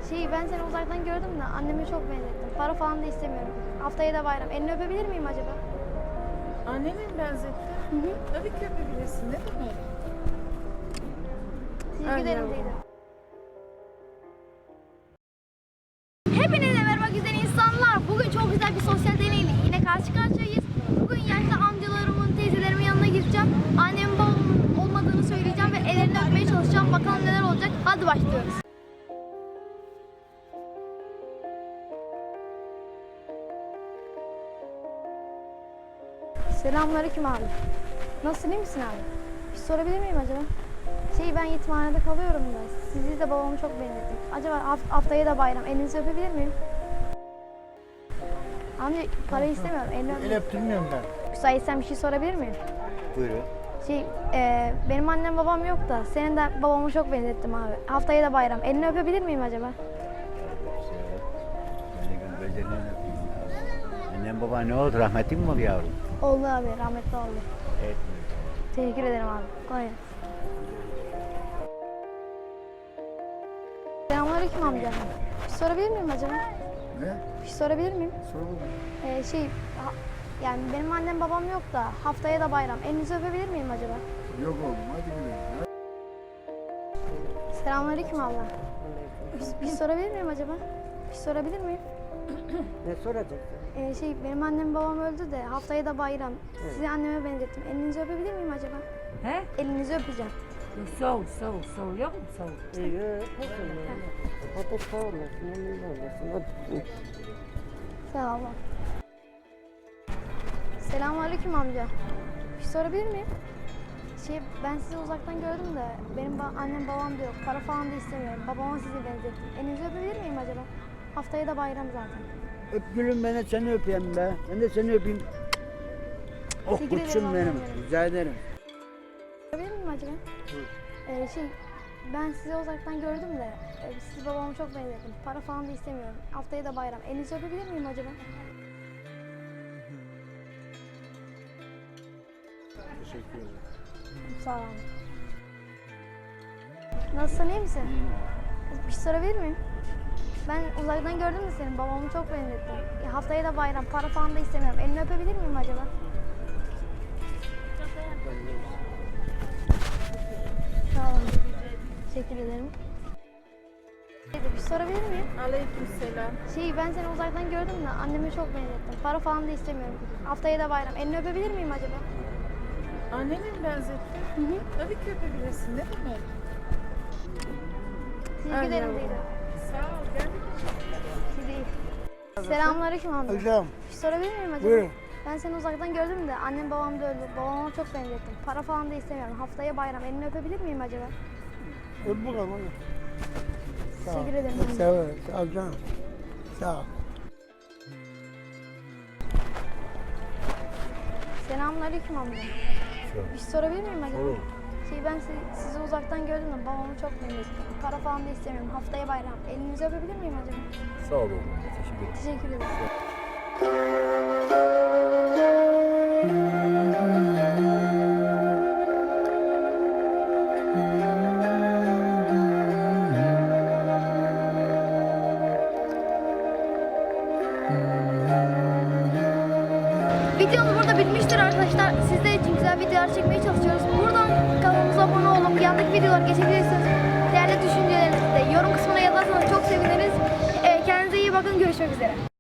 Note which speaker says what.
Speaker 1: Ben seni uzaktan gördüm de annemi çok benzettim. Para falan da istemiyorum. Haftaya da bayram. Elini öpebilir miyim acaba?
Speaker 2: Annene mi benzettin?
Speaker 1: Hı hı.
Speaker 2: Tabii ki öpebilirsin. Ne demek?
Speaker 1: Teşekkür ederim
Speaker 2: yavrum.
Speaker 1: teyze. Hepinize merhaba güzel insanlar. Bugün çok güzel bir sosyal deneyle yine karşı karşıyayız. Bugün yaşlı amcalarımın, teyzelerimin yanına gideceğim. Annemin babamın olmadığını söyleyeceğim ve ellerini öpmeye çalışacağım. Bakalım neler olacak. Hadi başlıyoruz. Selamünaleyküm abi. Nasılsın, iyi misin abi? Bir sorabilir miyim acaba? Ben yetimhanede kalıyorum da. Sizi de babamı çok benzettim. Acaba haftaya da bayram. Elinizi öpebilir miyim? Amca parayı istemiyorum. Elini
Speaker 3: El
Speaker 1: öpeyim.
Speaker 3: öptürmüyorum ben.
Speaker 1: Müsaitsen bir şey sorabilir miyim?
Speaker 3: Buyurun.
Speaker 1: Benim annem babam yok da. Senin de babamı çok benzettim abi. Haftaya da bayram. Elini öpebilir miyim acaba?
Speaker 3: Beni gözlerine öpeyim. Annem baban ne oldu? Rahmetli mi oldu yavrum?
Speaker 1: Oldu abi. Rahmetli oldu.
Speaker 3: Evet.
Speaker 1: Teşekkür ederim abi. Kolay gelsin. Selamünaleyküm amca. Bir şey sorabilir miyim acaba?
Speaker 3: Ne?
Speaker 1: Bir şey sorabilir miyim?
Speaker 3: Sorun mu?
Speaker 1: Yani benim annem babam yok da haftaya da bayram. Elinizi öpebilir miyim acaba?
Speaker 3: Yok oğlum hadi gidelim.
Speaker 1: Selamünaleyküm abla. Bir şey sorabilir miyim acaba? Bir şey sorabilir miyim?
Speaker 4: Ne soracaksın?
Speaker 1: Benim annem babam öldü de haftaya da bayram. Sizi anneme benzettim. Elinizi öpebilir miyim acaba?
Speaker 4: He?
Speaker 1: Elinizi öpeceğim.
Speaker 4: Sağ ol, sağ ol, sağ ol. Yok mu sağ ol? İyi, nasıl yani? Hadi sağ olasın, emin olasın. Hadi.
Speaker 1: Sağ ol abla. Selamünaleyküm amca. Bir şey sorabilir miyim? Ben sizi uzaktan gördüm de benim annem babam da yok. Para falan da istemiyorum. Babama sizi benzettim. Elinizi öpebilir miyim acaba? Haftaya da bayram zaten.
Speaker 3: Öp gülüm ben de seni öpeyim be. Ben de seni öpeyim. Oh
Speaker 1: Teşekkür ederim
Speaker 3: kuçum benim.
Speaker 1: Allah'ım.
Speaker 3: Rica ederim.
Speaker 1: Sorabilir miyim acaba? Ben sizi uzaktan gördüm de sizi babamı çok benzettim. Para falan da istemiyorum. Haftaya da bayram. Elinizi öpebilir miyim acaba?
Speaker 3: Teşekkür ederim.
Speaker 1: Sağ olun. Nasılsın, iyi misin? Bir şey sorabilir miyim? Ben uzaktan gördüm de seni. Babamı çok benzettim. Haftaya da bayram. Para falan da istemiyorum. Elini öpebilir miyim acaba? Sağ olun. Teşekkür ederim. Bir şey sorabilir miyim?
Speaker 2: Aleykümselam.
Speaker 1: Ben seni uzaktan gördüm de annemi çok benzettim. Para falan da istemiyorum. Haftaya da bayram. Elini öpebilir miyim acaba?
Speaker 2: Annene mi benzettin?
Speaker 1: Hı hı.
Speaker 2: Tabii ki öpebilirsin. Ne demek?
Speaker 1: Teşekkür ederim
Speaker 2: yavrum.
Speaker 1: teyze.
Speaker 2: Sağ ol. Gel.
Speaker 1: Siz iyi. Selamünaleyküm amca.
Speaker 3: Hocam
Speaker 1: Bir şey sorabilir miyim acaba?
Speaker 3: buyurun.
Speaker 1: Ben seni uzaktan gördüm de annem babam da öldü. Babama çok benzettim. Para falan da istemiyorum. Haftaya bayram. Elini öpebilir miyim acaba?
Speaker 3: Öp bakalım hadi. Sağ ol.
Speaker 1: Teşekkür ederim.
Speaker 3: Sağ ol. Sağ ol canım. Sağ ol.
Speaker 1: Selamünaleyküm amca. Bir şey sorabilir miyim acaba?
Speaker 3: Olur.
Speaker 1: Ben sizi uzaktan gördüm de babamı çok benzettim. Para falan da istemiyorum. Haftaya bayram. Elinizi öpebilir miyim acaba?
Speaker 5: Sağ olun. Teşekkür ederim.
Speaker 1: Teşekkür ederim. Videomuz burada bitmiştir arkadaşlar. Sizler için güzel videolar çekmeye çalışıyoruz. Buradan kanalımıza abone olup yandaki videolar geçebilirsiniz. Değerli düşüncelerinizi de yorum kısmına yazarsanız çok seviniriz. Kendinize iyi bakın. Görüşmek üzere.